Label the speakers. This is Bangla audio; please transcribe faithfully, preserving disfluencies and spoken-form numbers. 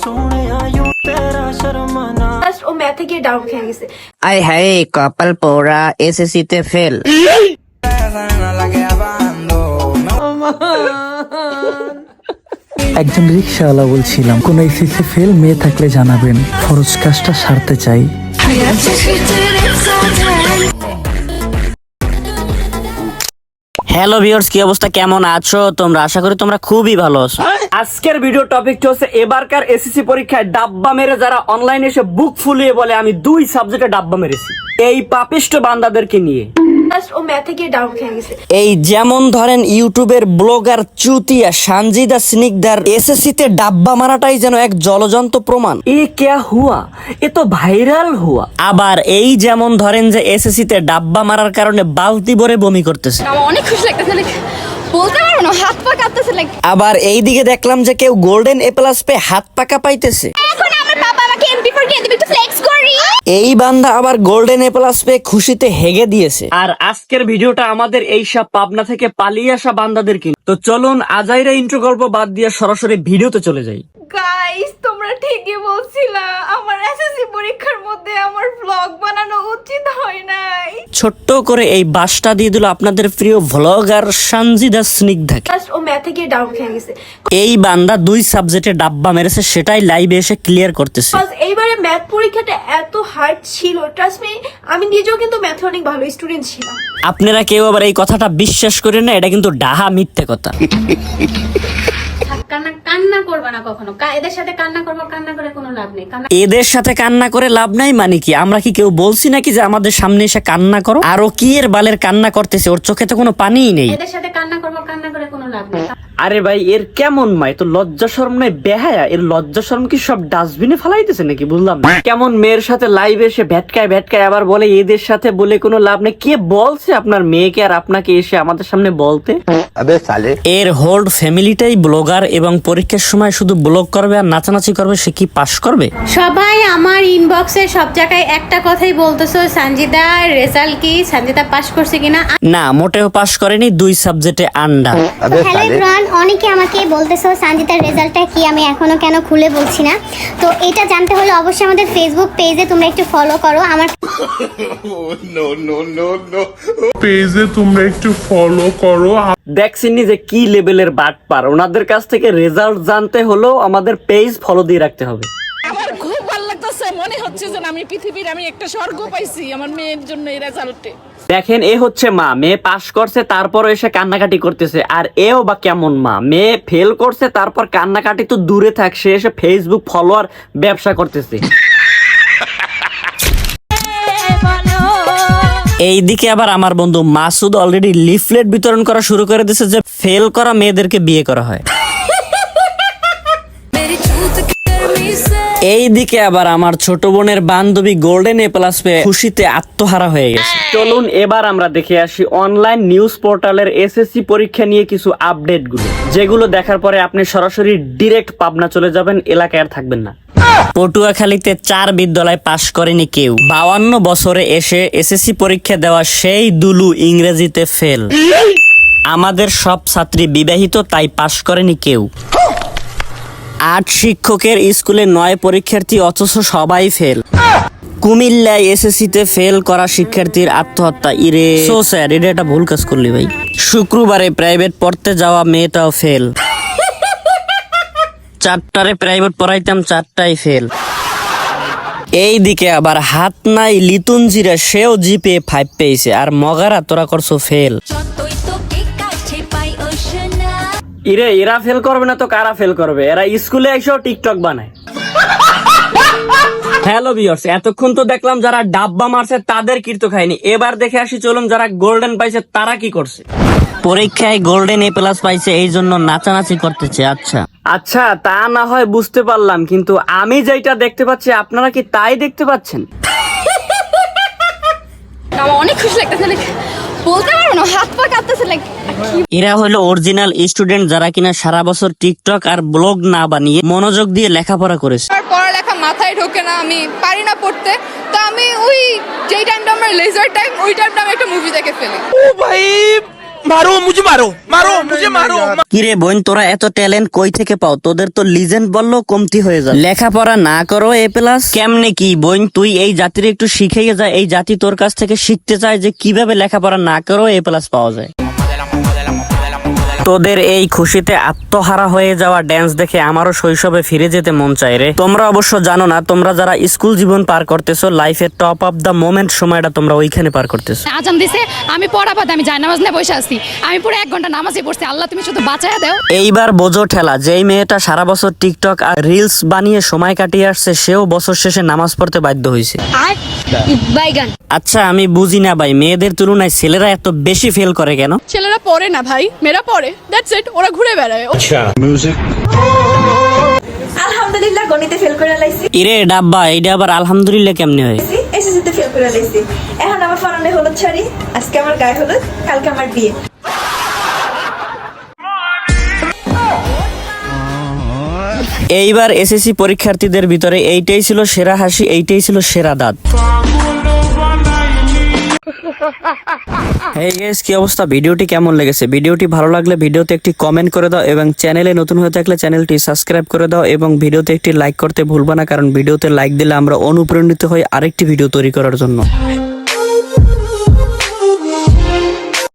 Speaker 1: ও ম্যাথে গিয়ে ডাউন খেয়ে গেছে।
Speaker 2: আয় হায় কপাল পোড়া, এসএসসি তে ফেল।
Speaker 3: একজন রিক্সাওয়ালা বলছিলাম, কোন এসএসসি ফেল মেয়ে থাকলে জানাবেন, খরচ কাজটা সারতে চাই।
Speaker 2: হ্যালো ভিউয়ার্স, কি অবস্থা, কেমন আছো তোমরা? আশা করি তোমরা খুবই ভালো আছো।
Speaker 4: আজকের ভিডিও টপিকটা হচ্ছে এবারকার এসএসসি পরীক্ষায় ডাব্বা মেরে যারা অনলাইনে এসে বুক ফুলিয়ে বলে আমি দুই সাবজেক্টে ডাব্বা মেরেছি, এই পাপিষ্ট বান্দাদেরকে নিয়ে।
Speaker 1: ও ম্যাথে গিয়ে ডাউন খেয়ে গেছে।
Speaker 2: এই যেমন ধরেন ইউটিউবের ব্লগার চুতিয়া সানজিদা স্নিগ্ধার এসএসসি তে ডাব্বা মারাটাই যেন এক জলজন্ত প্রমাণ।
Speaker 4: এ ক্যা হুয়া, এ তো ভাইরাল হুয়া।
Speaker 2: আবার এই যেমন ধরেন যে এসএসসি তে ডাব্বা মারার কারণে বালতি ভরে বমি করতেছে।
Speaker 5: আমার অনেক খুশি লাগতেছে, লাইক বলতে পারবো না, হাত পা কাঁপতেছে। লাইক
Speaker 2: আবার এই দিকে দেখলাম যে কেউ গোল্ডেন এ প্লাস পেয়ে হাত পাকা পাইতেছে।
Speaker 5: এখন আমার বাবা আমাকে এমপি ফোর দিয়ে দিবে, একটু ফ্লেক্স করি।
Speaker 2: এই বান্দা আবার গোল্ডেন এ প্লাস পেয়ে খুশিতে হেগে দিয়েছে।
Speaker 4: আর আজকের ভিডিওটা আমাদের এই সব পাবনা থেকে পালিয়ে আসা বান্দাদেরকে। তো চলুন আজাইরা ইন্ট্রো গল্প বাদ দিয়ে সরাসরি ভিডিওতে চলে যাই।
Speaker 1: গাইস, তোমরা ঠিকই বলছিলা, আমার এসএসসি পরীক্ষার মধ্যে আমার ব্লগ বানানো উচিত হয় নাই।
Speaker 2: ছোট্ট করে এই বাসটা দিয়ে দিল আপনাদের প্রিয় ভ্লগার সানজিদা স্নিগ্ধাকে।
Speaker 1: ও ম্যাথে গিয়ে ডাউন খেয়ে গেছে।
Speaker 2: এই বান্দা দুই সাবজেক্টে ডাব্বা মেরেছে, সেটাই লাইভে এসে ক্লিয়ার করতেছে।
Speaker 1: এইবারে ম্যাথ পরীক্ষাটা এত হার্ড ছিল, ট্রাস্ট মি, আমি নিজেও কিন্তু ম্যাথে অনেক ভালো স্টুডেন্ট ছিলাম।
Speaker 2: আপনারা কেউ আবার এই কথাটা বিশ্বাস করেন না, এটা কিন্তু ডাহা মিথ্যে কথা।
Speaker 5: কান্না কান্না করবে না কখনো, এদের সাথে কান্না করবো, কান্না করে কোনো লাভ নেই।
Speaker 2: এদের সাথে কান্না করে লাভ নাই মানে কি? আমরা কি কেউ বলছি নাকি যে আমাদের সামনে এসে কান্না করো? আরো কি এর বালের কান্না করতেছে, ওর চোখে তো কোনো পানিই নেই।
Speaker 5: এদের সাথে কান্না করবো, কান্না করে কোনো লাভ নেই।
Speaker 4: আরে ভাই, এর কেমন মাই তো লজ্জা শরম নাই, বেহায়া। এর লজ্জা শরম কি সব ডাস্টবিনে ফেলাইতেছে নাকি বুঝলাম না। কেমন মেয়ের সাথে লাইভে এসে ভেটকায় ভেটকায় আবার বলে এদের সাথে বলে কোনো লাভ নেই। কে বলছে আপনার মেয়েকে আর আপনাকে এসে আমাদের সামনে বলতে?
Speaker 2: এর হোল্ড ফ্যামিলিটাই ব্লগার এবং পরীক্ষার সময় শুধু ব্লগ করবে আর নাচানাচি করবে, সে কি পাস করবে?
Speaker 5: সবাই আমার ইনবক্সে সব জায়গায় একটা কথাই বলতেছো, সঞ্জিদা রেজাল্ট কি, সঞ্জিদা পাস করছে কিনা।
Speaker 2: না, মোটেও পাস করেনি, দুই সাবজেক্টে আন্ডা।
Speaker 6: হ্যালো এভরিওয়ান, অনেকে আমাকে বলতেছো সঞ্জিতার রেজাল্টটা কি, আমি এখনো কেন খুলে বলছি না। তো এটা জানতে হলে অবশ্যই আমাদের ফেসবুক পেজে তোমরা একটু ফলো করো। আমার
Speaker 7: পেজে তোমরা একটু ফলো করো।
Speaker 4: দেখছিনি যে কি লেভেলের বাটপার, ওনাদের কাছ থেকে রেজাল্ট জানতে হলেও আমাদের পেজ ফলো দিয়ে রাখতে হবে।
Speaker 8: আমার খুব ভালো লাগতেছে, মনে হচ্ছে যে আমি পৃথিবীর আমি একটা স্বর্গ পাইছি আমার মেয়ের জন্য এই রেজাল্টে।
Speaker 4: দেখেন, এ হচ্ছে মা, মেয়ে পাস করছে তারপর এসে কান্নাকাটি করতেছে। আর এও বা কেমন মা, মেয়ে ফেল করছে তারপর কান্নাকাটি তো দূরে থাক, সে এসে ফেসবুক ফলোয়ার ব্যবসা করতেছে।
Speaker 2: এইদিকে আবার আমার বন্ধু মাসুদ অলরেডি লিফলেট বিতরণ করা শুরু করে দিয়েছে যে ফেল করা মেয়েদেরকে বিয়ে করা হয়। এই দিকে আবার আমার ছোট বোনের বান্ধবী গোল্ডেন এ প্লাস পেয়ে খুশিতে আত্মহারা হয়ে গেছে।
Speaker 4: চলুন এবার আমরা দেখে আসি অনলাইন নিউজ পোর্টালের এসএসসি পরীক্ষা নিয়ে কিছু আপডেট গুলো, যেগুলো দেখার পরে আপনি সরাসরি ডিরেক্ট পাবনা চলে যাবেন, এলাকায় আর থাকবেন না।
Speaker 2: পটুয়াখালীতে চার বিদ্যালয় পাশ করেনি কেউ। বাউান্ন বছরে এসে এসএসসি পরীক্ষা দেওয়া সেই দুলু ইংরেজিতে ফেল। আমাদের সব ছাত্রী বিবাহিত, তাই পাশ করেনি কেউ। আট শিক্ষকের স্কুলে নয় পরীক্ষার্থী, অথচ সবাই ফেল। কুমিল্লায় এসএসসি তে ফেল করা শিক্ষার্থীর আত্মহত্যা। ইরে সো স্যার, এটা একটা ভুল কাজ করলি ভাই। শুক্রবারে প্রাইভেট পড়তে যাওয়া মেয়েটাও ফেল। চারটারে প্রাইভেট পড়াইতাম, চারটাই ফেল। এই দিকে আবার হাত নাই লিতুনজিরা, সেও জিপে ফাইভ পেয়েছে, আর মগারা তোরা করছো ফেল।
Speaker 4: ইরে, এরা ফেল করবে না তো কারা ফেল করবে? এরা স্কুলে এসেও টিকটক বানায়। হ্যালো ভিউয়ার্স, এতক্ষণ তো দেখলাম যারা ডাব্বা মারছে তাদের কীর্ত খায়নি, এবার দেখে আসি চলুন যারা গোল্ডেন পাইছে তারা কি করছে।
Speaker 2: পরীক্ষায় গোল্ডেন এ প্লাস পাইছে, এই জন্য নাচানাচি করতেছে। আচ্ছা
Speaker 4: আচ্ছা, তা না হয় বুঝতে পারলাম, কিন্তু আমি যেটা দেখতে পাচ্ছি আপনারা কি তাই দেখতে পাচ্ছেন?
Speaker 5: আমার অনেক খুশি লাগতেছে, লাইক বলতে পারবো না, হাত পা কাঁপতেছে। লাইক
Speaker 2: এরা হলো অরিজিনাল স্টুডেন্ট, যারা কিনা সারা বছর টিকটক আর ব্লগ না বানিয়ে মনোযোগ দিয়ে লেখাপড়া করেছে।
Speaker 8: পড়ালেখা মাথায় ঢোকে না, আমি পারি না পড়তে, তো আমি ওই যেই টাইমটা আমার লেজার টাইম, ওই টাইমটা আমি একটা মুভি দেখে ফেলি।
Speaker 7: ও ভাই
Speaker 2: কিরে বোন, তোরা এত ট্যালেন্ট কই থেকে পাও? তোদের তো লিজেন্ড বললেও কমতি হয়ে যায়। লেখাপড়া না করো এ প্লাস কেমনে কি বোন? তুই এই জাতির একটু শিখাইয়ে যা, এই জাতি তোর কাছ থেকে শিখতে চায় যে কিভাবে লেখাপড়া না করো এ প্লাস পাওয়া যায়। তোদের এই খুশিতে আত্মহারা হয়ে যাওয়া ড্যান্স দেখে আমারও শৈশবে ফিরে যেতে মন চায় রে। তোমরা অবশ্য জানো না, তোমরা যারা স্কুল জীবন পার করতেছো, লাইফের টপ অফ দা মোমেন্ট সময়টা তোমরা ওইখানে পার করতেছো।
Speaker 9: আজান দিছে, আমি পড়া বাদ আমি জায় নামাজ নিয়ে বসে আছি। আমি পুরো এক ঘন্টা নামাজই পড়ছি। আল্লাহ তুমি শুধু বাঁচায়া দাও।
Speaker 2: এইবার বোঝো ঠেলা, যেই মেয়েটা সারা বছর টিকটক আর রিলস বানিয়ে সময় কাটিয়ে আসছে, সেও বছর শেষে নামাজ পড়তে বাধ্য হয়েছে। আচ্ছা আমি বুঝি না ভাই, মেয়েদের তুলনায় ছেলেরা এত বেশি ফেল করে কেন?
Speaker 8: ছেলেরা পড়ে না ভাই, মেয়েরা পড়ে, দ্যাটস ইট। ওরা ঘুরে বেড়ায়।
Speaker 1: আলহামদুলিল্লাহ গণিতে ফেল করে লাইছি,
Speaker 2: ইরে ডাব্বা, এইটা আবার আলহামদুলিল্লাহ কেমনে হয়?
Speaker 1: এসএসসিতে ফেল করে লাইছি। এখন আমার ফরানে হলুদ শাড়ি, আজকে আমার গায়ে হলুদ, কালকে আমার বিয়ে।
Speaker 2: এইবার এসএসসি পরীক্ষার্থীদের ভিতরে এইটাই ছিল সেরা হাসি, এইটাই ছিল সেরা দাঁত। এই গাইস, কি অবস্থা? ভিডিওটি কেমন লেগেছে? ভিডিওটি ভালো লাগলে ভিডিওতে একটি কমেন্ট করে দাও এবং চ্যানেলে নতুন হয়ে থাকলে চ্যানেলটি সাবস্ক্রাইব করে দাও এবং ভিডিওতে একটি লাইক করতে ভুলবা না, কারণ ভিডিওতে লাইক দিলে আমরা অনুপ্রাণিত হই আরেকটি ভিডিও তৈরি করার জন্য।